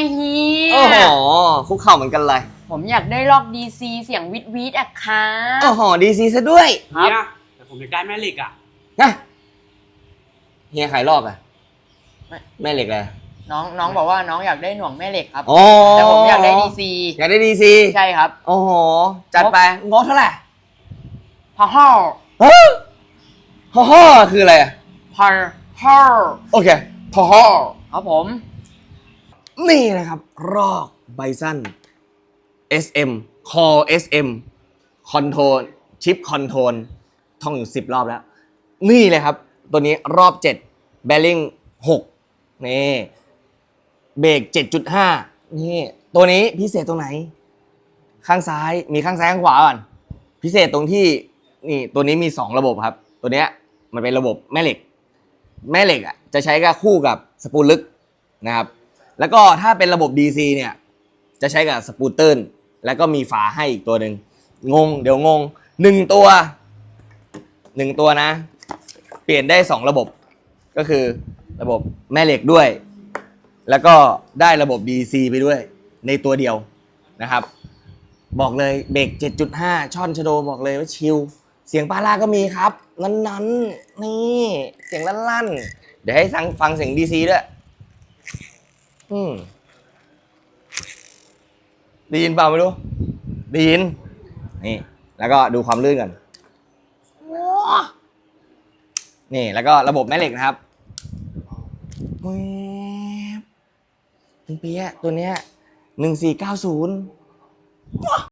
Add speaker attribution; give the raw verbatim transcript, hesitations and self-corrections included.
Speaker 1: เฮีย
Speaker 2: โอ้โหคุกเข่าเหมือนกันเลย
Speaker 1: ผมอยากได้ลอกดีซีเสียงวิดวิดอะค่ะ
Speaker 2: โอ้โหดีซีซะด้วย
Speaker 3: เฮียแต่ผมอยากได้แม่เหล็กอ่ะ
Speaker 2: นะเฮียขายรอบอะแม่เหล็กเลย
Speaker 1: น้องน้องบอกว่าน้องอยากได้หน่วงแม่เหล็กครับ
Speaker 2: โอ้
Speaker 1: แต่ผมอยากได้ดีซี
Speaker 2: อยากได้ดีซี
Speaker 1: ใช่ครับ
Speaker 2: โอ้โหจัดไปงบเท่าไหร่
Speaker 1: พอฮ่อ
Speaker 2: ฮะฮ่อฮ่อคืออะไรอะ
Speaker 1: พอฮ่อ
Speaker 2: โอเคฮ่อฮ่อ
Speaker 1: ครับผม
Speaker 2: นี่นะครับรอกไบซัน เอส เอ็ม Call เอส เอ็ม Control Chip Control ท่องอยู่สิบรอบแล้วนี่เลยครับตัวนี้รอบเจ็ด Bearing หกนี่เบรก เจ็ดจุดห้า นี่ตัวนี้พิเศษตรงไหนข้างซ้ายมีข้างซ้ายข้างขวาก่อนพิเศษตรงที่นี่ตัวนี้มีสองระบบครับตัวเนี้ยมันเป็นระบบแม่เหล็กแม่เหล็กอ่ะจะใช้กับคู่กับสปูลลึกนะครับแล้วก็ถ้าเป็นระบบ ดี ซี เนี่ยจะใช้กับสปูตเติ้ลแล้วก็มีฝาให้อีกตัวหนึ่งงงเดี๋ยวงงหนึ่งตัวหนึ่งตัวนะเปลี่ยนได้สองระบบก็คือระบบแม่เหล็กด้วยแล้วก็ได้ระบบ ดี ซี ไปด้วยในตัวเดียวนะครับบอกเลยเบรก เจ็ดจุดห้า ช่อนชโดบอกเลยว่าชิลเสียงปาร่าก็มีครับนั้นๆนี่เสียงลั่นๆเดี๋ยวให้ฟังฟังเสียง ดี ซี ด้วยอืมได้ยินเปล่าไม่รู้ได้ยินนี่แล้วก็ดูความลื่นกันนี่แล้วก็ระบบแม่เหล็กนะครับคุณเปียะตัวเนี้ยหนึ่งสี่เก้าศูนย์